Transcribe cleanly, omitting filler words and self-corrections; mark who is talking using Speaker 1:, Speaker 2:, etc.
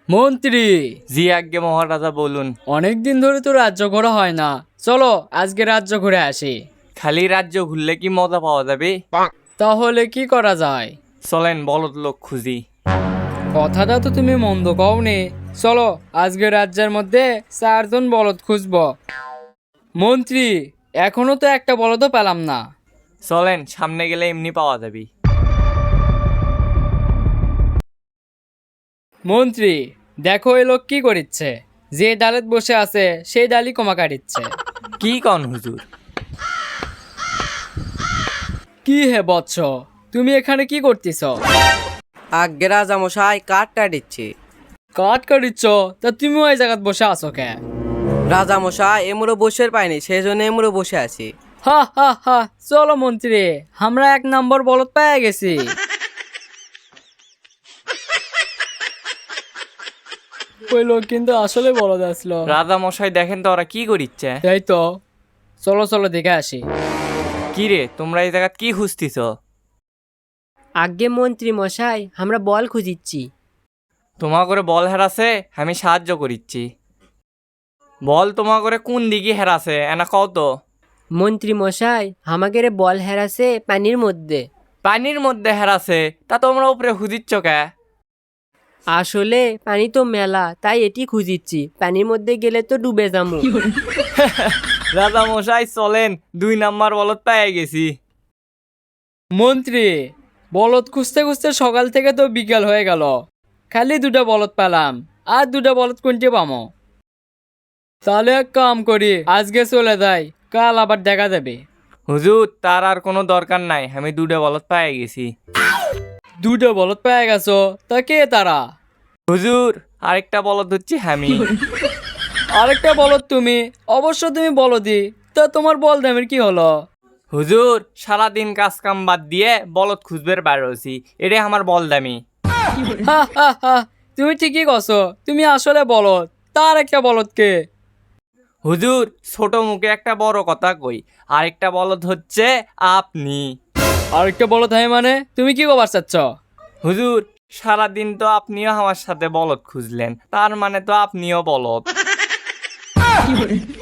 Speaker 1: মন্ত্রী।
Speaker 2: জি আজ্ঞে মহারাজা বলুন।
Speaker 1: অনেকদিন ধরে তো রাজ্য ঘোরা হয় না, চলো আজকে রাজ্য ঘুরে আসি।
Speaker 2: খালি রাজ্য ঘুরলে কি মজা পাওয়া যাবে?
Speaker 1: তাহলে কি করা যায়?
Speaker 2: চলেন বলদ লোক খুঁজি।
Speaker 1: কথাটা তো তুমি মন্দ কওনি। চলো আজকে রাজ্যের মধ্যে 4জন বলদ খুঁজবো। মন্ত্রী, এখনো তো একটা বলদও পেলাম না।
Speaker 2: চলেন সামনে গেলে এমনি পাওয়া যাবে।
Speaker 1: মন্ত্রী, দেখো এই লোক কি করিচ্ছে। যে ডালেত বসে আছে সেই ডালই কোমা কাটিচ্ছে।
Speaker 2: কি কন হুজুর?
Speaker 1: কি হে বৎস, তুমি এখানে কি করতেছ?
Speaker 3: আজ্ঞে রাজামশাই কাঠটা দিচ্ছি।
Speaker 1: কাঠ কাটিচ্ছ? তা তুমিও এই জায়গায় বসে আছো কে?
Speaker 3: রাজামশাই এমুড়ো বসে পাইনি, সেই জন্য এমুড়ো বসে আছি।
Speaker 1: হা হা হা, চলো মন্ত্রী, আমরা 1 নম্বর বলদ পেয়ে গেছি। ওই লোক কিন্তু আসলে বলদ আসলো।
Speaker 2: রাজা মশাই দেখেন তো ওরা কি করিচ্ছে।
Speaker 1: তাই তো, চলো চলো দেখে আসি।
Speaker 2: কি রে তোমরা এই জায়গা কি খুঁজতিছ?
Speaker 4: আজ্ঞে মন্ত্রী মশাই, আমরা বল খুঁজিচ্ছি।
Speaker 2: তোমা করে বল হেরাছে, আমি সাহায্য করিচ্ছি। বল তোমা করে কোন দিকে হেরাছে এনা কও তো।
Speaker 4: মন্ত্রী মশাই, আমাদের বল হেরাছে পানির মধ্যে।
Speaker 2: পানির মধ্যে হেরাছে, তা তোমরা উপরে খুঁজিচ্ছ কে?
Speaker 4: আসলে পানি তো মেলা, তাই এটি খুঁজিচ্ছি। পানির মধ্যে গেলে তো ডুবে যাবো।
Speaker 2: রাজা মশাই চলেন, 2 নাম্বার বলদ পেয়ে গেছি।
Speaker 1: মন্ত্রী, বলদ খুঁজতে খুঁজতে সকাল থেকে তো বিকাল হয়ে গেল, খালি 2টা বলদ পেলাম। আর 2টা বলদ কোনটি পামো? তাহলে এক কাম করি, আজকে চলে যাই, কাল আবার দেখা যাবে।
Speaker 2: হুজুর তার আর কোনো দরকার নাই, আমি 2টা বলদ পেয়ে গেছি।
Speaker 1: 2টা বলদ পেয়ে গেছো? তা কে তারা?
Speaker 2: হুজুর আরেকটা বলদ হচ্ছে আমি।
Speaker 1: আরেকটা বলদ তুমি? অবশ্য তুমি বলদি, তা তোমার বল দামের কি হলো?
Speaker 2: হুজুর সারাদিন কাজ কাম বাদ দিয়ে বলদ খুঁজবের বাইরে হয়েছি, এটাই আমার বল দামি।
Speaker 1: হা হা হা, তুমি ঠিকই কছো, তুমি আসলে বলদ। তার একটা বলদ কে?
Speaker 2: হুজুর ছোট মুখে একটা বড় কথা কই, আরেকটা বলদ হচ্ছে আপনি।
Speaker 1: আরেকটা বলদ হয় মানে তুমি কি কবার চাচ্ছ?
Speaker 2: হুজুর সারাদিন তো আপনিও আমার সাথে বলদ খুঁজলেন, তার মানে তো আপনিও বলদ।